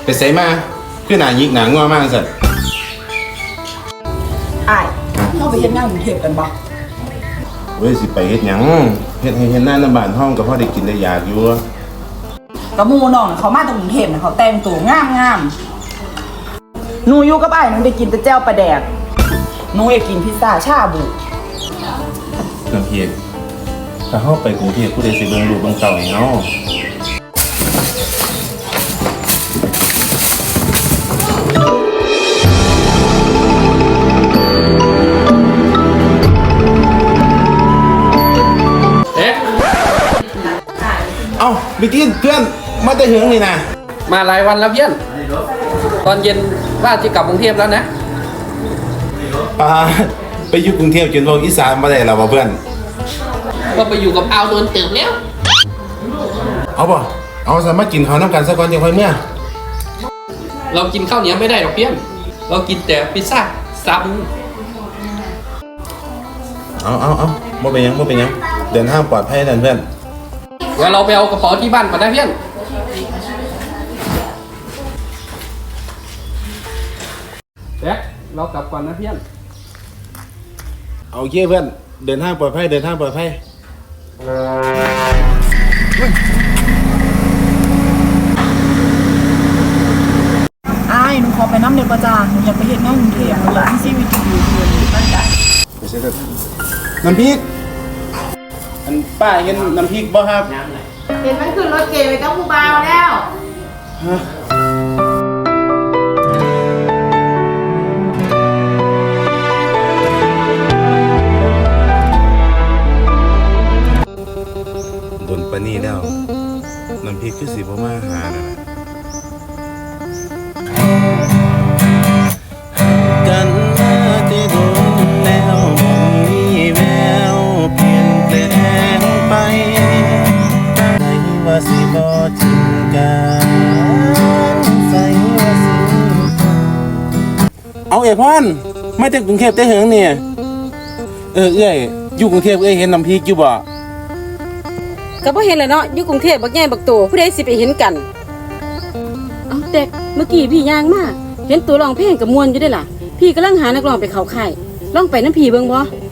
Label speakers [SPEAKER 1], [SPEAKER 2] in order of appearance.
[SPEAKER 1] ใส่มาคือหนายิกหนางัวมากสัตว์
[SPEAKER 2] อ้ายเราไปเฮ็ดงานกรุงเทพกันบ่
[SPEAKER 1] เว้ยสิไปเฮ็ดหยังเฮ็ดให้เฮ็ดหน้าบ้านห้องก็พอได้กินได้อยากอยู่
[SPEAKER 2] กระมูน้องเขามาจากกรุงเทพนะเขาแต่งตัวงามหนูอยู่กับอ้ายหนูได้กินแต่แจ่วปลาแดกหนูอยากกินพิซซ่าชาบู
[SPEAKER 1] น้ำเพียกถ้าเฮาไปกรุงเทพผู้ใดสิเบิ่งลูกเบิ่งเต้าให้เฮาเอ้าบิกินเพื่อนมาแต่เหิงนี่นะ
[SPEAKER 3] มาหลายวันแล้วเพื่อนตอนเย็นว่าจะกลับกรุงเทพแล้วนะ
[SPEAKER 1] ไปอยู่กรุงเทพจนเว้าอีสานบ่ได้แล้วบ่เพื่อน
[SPEAKER 3] ก็ไปอยู่กับอาวโดนเติมแล้ว
[SPEAKER 1] เอาบ่เอาซะมากินข้าวนำกันซะก่อนจังค่อยเมื่อ
[SPEAKER 3] เรากินข้าวเหนียวไม่ได้หรอกเพื่อนเรากินแต่พิซซ่าซาบู
[SPEAKER 1] เอาบ่เป็นหยังเดินทางปลอดภัยนั่นเพื่อน
[SPEAKER 3] เดี๋ยวเราไปเอากระเป๋าที่บ้านก่อนนะเพื่อนเด็กเรากลับก่อนนะเพื่อน
[SPEAKER 1] โอเคเพื่อนเดินทางปลอดภัย
[SPEAKER 2] อ้ายหนูขอไปน้ำเดือดประจานหนูอยากไปเฮ็ดงานกรุงเทพหนูอยากมีชีวิตที่ดีขึ้นตั้งใจ
[SPEAKER 1] ไม่ใช่ครับน้ำพริกอันป้าเห็นน้ำพริกบ่ครับ
[SPEAKER 4] เห็นมันขึ้นรถเก๋ไปกับผู้บ่าวแล้ว
[SPEAKER 1] โดนปานี่แล้วน้ำพริกคือสิบ่มาหาน่ะกันมาที่โดนแล้วบ่มีแววเปลี่ยนแปลงไปใส่ว่าสิบ่ทิ้งกันใส่ว่าสิเอาเอ้ยพรมาจากกรุงเทพแต่เหิงเนี่ยเอ้ยอยู่กรุงเทพเห็นน้ำพริกอยู่บ่
[SPEAKER 5] ก็บ่เห็นเลยเนาะอยู่กรุงเทพบักใหญ่บักโตผู้ใดสิไปเห็นกันเอ้าแต่เมื่อกี้พี่ย่างมาเห็นตัวร้องเพลงกับมวนอยู่ได้ล่ะพี่กำลังหานักร้องไปเข้าค่ายลองไปน้ำพี่เบิ่งบ่